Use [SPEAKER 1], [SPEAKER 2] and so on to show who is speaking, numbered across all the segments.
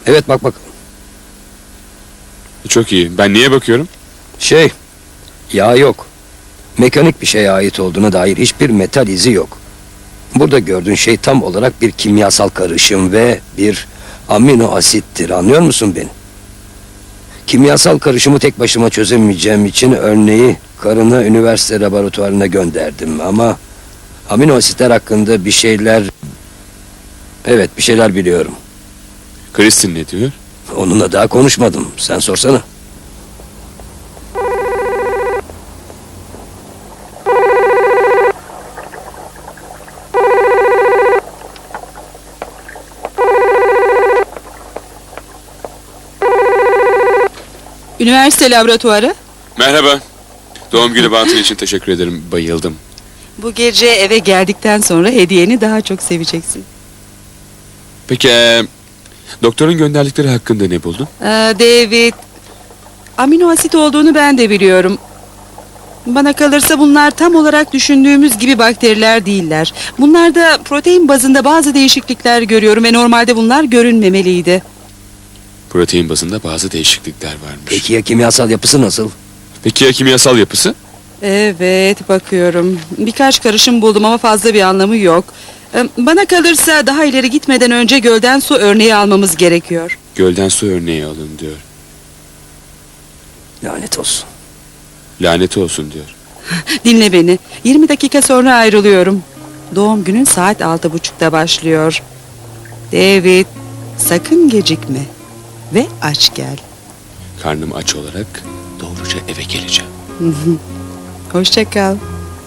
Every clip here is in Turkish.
[SPEAKER 1] Evet, bak.
[SPEAKER 2] Çok iyi. Ben niye bakıyorum?
[SPEAKER 1] Yağ yok. Mekanik bir şeye ait olduğuna dair hiçbir metal izi yok. Burada gördüğün şey tam olarak bir kimyasal karışım ve bir amino asittir. Anlıyor musun beni? Kimyasal karışımı tek başıma çözemeyeceğim için örneği karına üniversite laboratuvarına gönderdim ama amino asitler hakkında bir şeyler... Evet, bir şeyler biliyorum.
[SPEAKER 2] Kristin ne diyor?
[SPEAKER 1] Onunla daha konuşmadım. Sen sorsana.
[SPEAKER 3] Üniversite laboratuvarı.
[SPEAKER 2] Merhaba. Doğum günü bantın için teşekkür ederim. Bayıldım.
[SPEAKER 3] Bu gece eve geldikten sonra hediyeni daha çok seveceksin.
[SPEAKER 2] Peki doktorun gönderdikleri hakkında ne buldun?
[SPEAKER 3] David, amino asit olduğunu ben de biliyorum. Bana kalırsa bunlar tam olarak düşündüğümüz gibi bakteriler değiller. Bunlarda protein bazında bazı değişiklikler görüyorum ve normalde bunlar görünmemeliydi.
[SPEAKER 2] Protein bazında bazı değişiklikler varmış.
[SPEAKER 1] Peki ya kimyasal yapısı nasıl?
[SPEAKER 2] Peki ya kimyasal yapısı?
[SPEAKER 3] Evet, bakıyorum. Birkaç karışım buldum ama fazla bir anlamı yok. Bana kalırsa daha ileri gitmeden önce gölden su örneği almamız gerekiyor.
[SPEAKER 2] Gölden su örneği alın diyor.
[SPEAKER 1] Lanet olsun.
[SPEAKER 2] Lanet olsun diyor.
[SPEAKER 3] Dinle beni. 20 dakika sonra ayrılıyorum. Doğum günün saat 6:30'da başlıyor. David, sakın gecikme. Ve aç gel.
[SPEAKER 2] Karnım aç olarak doğruca eve geleceğim.
[SPEAKER 3] Hoşça kal.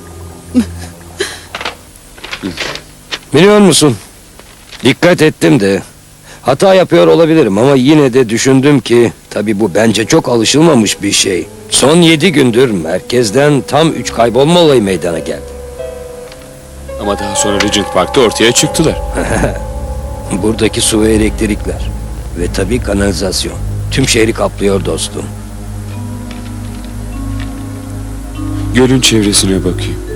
[SPEAKER 1] Biliyor musun? Dikkat ettim de hata yapıyor olabilirim ama yine de düşündüm ki tabii bu bence çok alışılmamış bir şey. Son 7 gündür merkezden tam 3 kaybolma olayı meydana geldi.
[SPEAKER 2] Ama daha sonra Regent Park'ta ortaya çıktılar.
[SPEAKER 1] Buradaki su ve elektrikler ve tabii kanalizasyon tüm şehri kaplıyor dostum.
[SPEAKER 2] Gölün çevresine bakayım.